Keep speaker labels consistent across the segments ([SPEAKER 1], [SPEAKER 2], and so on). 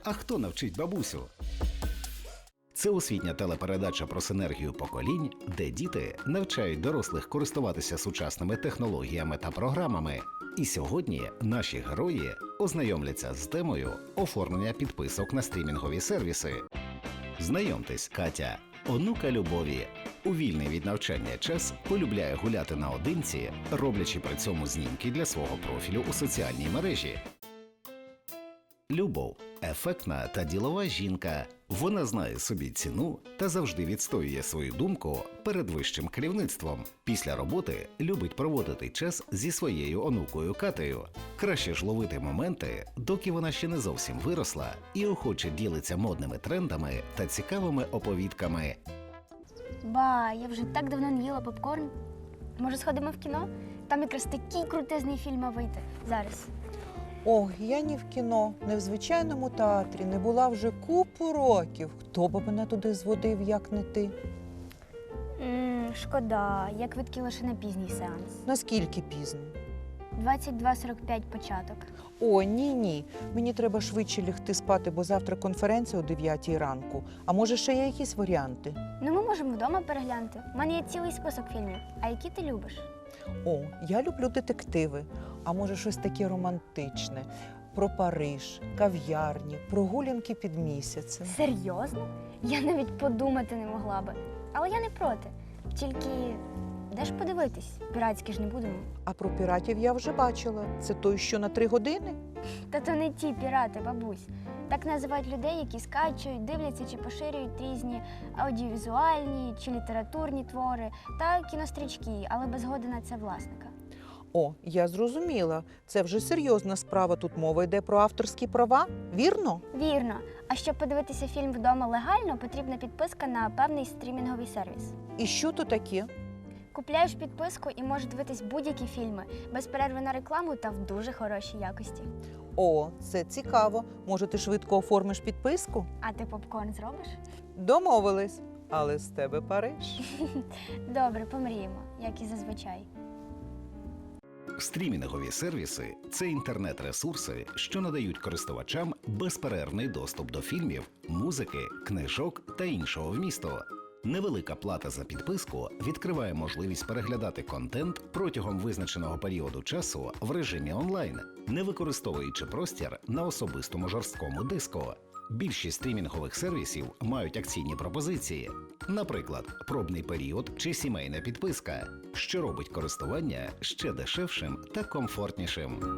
[SPEAKER 1] А хто навчить бабусю? Це освітня телепередача про синергію поколінь, де діти навчають дорослих користуватися сучасними технологіями та програмами. І сьогодні наші герої ознайомляться з темою оформлення підписок на стрімінгові сервіси. Знайомтесь, Катя, онука Любові. У вільний від навчання час полюбляє гуляти наодинці, роблячи при цьому знімки для свого профілю у соціальній мережі. Любов – ефектна та ділова жінка. Вона знає собі ціну та завжди відстоює свою думку перед вищим керівництвом. Після роботи любить проводити час зі своєю онукою Катею. Краще ж ловити моменти, доки вона ще не зовсім виросла і охоче ділиться модними трендами та цікавими оповідками.
[SPEAKER 2] Ба, я вже так давно не їла попкорн. Може, сходимо в кіно? Там якраз такий крутезний фільм мав вийти. Зараз.
[SPEAKER 3] Ох, я ні в кіно, ні в звичайному театрі не була вже купу років. Хто б мене туди зводив, як не ти?
[SPEAKER 2] Шкода, я квитки лише на пізній сеанс.
[SPEAKER 3] Наскільки пізно?
[SPEAKER 2] 22:45 початок.
[SPEAKER 3] О, ні. Мені треба швидше лягти спати, бо завтра конференція о 9 ранку. А може, ще є якісь варіанти?
[SPEAKER 2] Ну, ми можемо вдома переглянути. У мене є цілий список фільмів. А які ти любиш?
[SPEAKER 3] О, я люблю детективи. А може, щось таке романтичне. Про Париж, кав'ярні, прогулянки під місяцем.
[SPEAKER 2] Серйозно? Я навіть подумати не могла би. Але я не проти. Тільки де ж подивитись? Піратські ж не будемо.
[SPEAKER 3] А про піратів я вже бачила. Це той, що на 3 години?
[SPEAKER 2] Та то не ті пірати, бабусь. Так називають людей, які скачують, дивляться чи поширюють різні аудіовізуальні чи літературні твори та кінострічки, але без згоди на це власника.
[SPEAKER 3] О, я зрозуміла. Це вже серйозна справа. Тут мова йде про авторські права, вірно?
[SPEAKER 2] Вірно. А щоб подивитися фільм вдома легально, потрібна підписка на певний стрімінговий сервіс.
[SPEAKER 3] І що то таке?
[SPEAKER 2] Купляєш підписку і можеш дивитись будь-які фільми, без перерви на рекламу та в дуже хорошій якості.
[SPEAKER 3] О, це цікаво. Може, ти швидко оформиш підписку?
[SPEAKER 2] А ти попкорн зробиш?
[SPEAKER 3] Домовились. Але з тебе Париж.
[SPEAKER 2] Добре, помріємо, як і зазвичай.
[SPEAKER 1] Стрімінгові сервіси – це інтернет-ресурси, що надають користувачам безперервний доступ до фільмів, музики, книжок та іншого вмісту. Невелика плата за підписку відкриває можливість переглядати контент протягом визначеного періоду часу в режимі онлайн, не використовуючи простір на особистому жорсткому диску. Більшість стрімінгових сервісів мають акційні пропозиції, наприклад, пробний період чи сімейна підписка, що робить користування ще дешевшим та комфортнішим.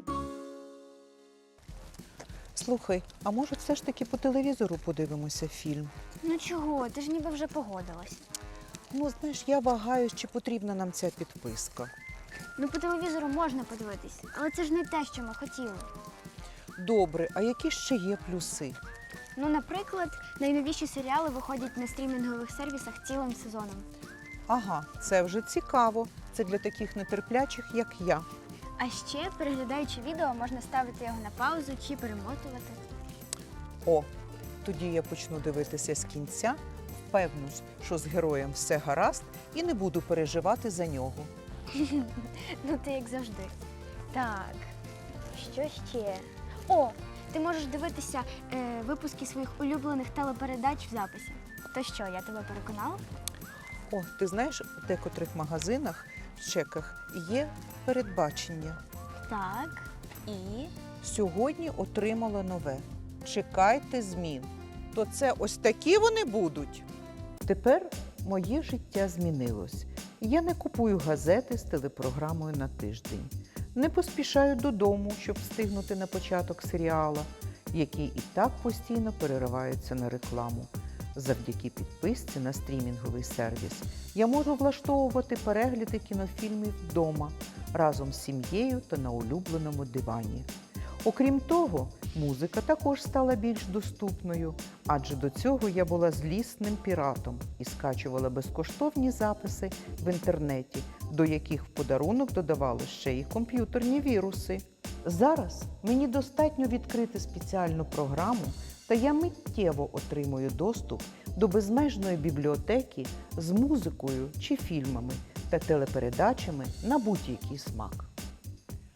[SPEAKER 3] Слухай, а може все ж таки по телевізору подивимося фільм?
[SPEAKER 2] Ну чого, ти ж ніби вже погодилась.
[SPEAKER 3] Ну, знаєш, я вагаюсь, чи потрібна нам ця підписка.
[SPEAKER 2] Ну по телевізору можна подивитись, але це ж не те, що ми хотіли.
[SPEAKER 3] Добре, а які ще є плюси?
[SPEAKER 2] Ну, наприклад, найновіші серіали виходять на стрімінгових сервісах цілим сезоном.
[SPEAKER 3] Ага, це вже цікаво. Це для таких нетерплячих, як я.
[SPEAKER 2] А ще, переглядаючи відео, можна ставити його на паузу чи перемотувати.
[SPEAKER 3] О, тоді я почну дивитися з кінця, впевнюсь, що з героєм все гаразд і не буду переживати за нього.
[SPEAKER 2] Ну, ти як завжди. Так, що ще? О, ти можеш дивитися випуски своїх улюблених телепередач в записі. То що, я тебе переконала?
[SPEAKER 3] О, ти знаєш, в декотрих магазинах в чеках є передбачення.
[SPEAKER 2] Так, і?
[SPEAKER 3] Сьогодні отримала нове. Чекайте змін. То це ось такі вони будуть. Тепер моє життя змінилось. Я не купую газети з телепрограмою на тиждень. Не поспішаю додому, щоб встигнути на початок серіала, який і так постійно переривається на рекламу. Завдяки підписці на стрімінговий сервіс я можу влаштовувати перегляди кінофільмів вдома, разом з сім'єю та на улюбленому дивані. Окрім того, музика також стала більш доступною, адже до цього я була злісним піратом і скачувала безкоштовні записи в інтернеті, до яких в подарунок додавали ще й комп'ютерні віруси. Зараз мені достатньо відкрити спеціальну програму, та я миттєво отримую доступ до безмежної бібліотеки з музикою чи фільмами та телепередачами на будь-який смак.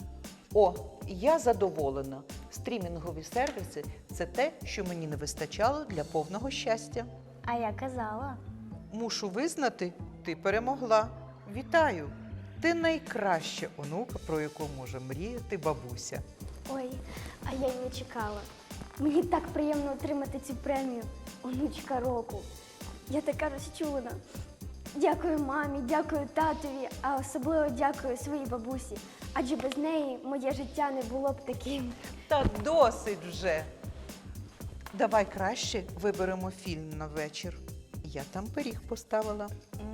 [SPEAKER 3] О, я задоволена. Стрімінгові сервіси – це те, що мені не вистачало для повного щастя.
[SPEAKER 2] А я казала.
[SPEAKER 3] Мушу визнати, ти перемогла. Вітаю! Ти найкраща онука, про яку може мріяти бабуся.
[SPEAKER 2] Ой, а я й не чекала. Мені так приємно отримати цю премію «Онучка року». Я така розчулена. Дякую мамі, дякую татові, а особливо дякую своїй бабусі. Адже без неї моє життя не було б таким.
[SPEAKER 3] Та досить вже. Давай краще виберемо фільм на вечір. Я там пиріг поставила.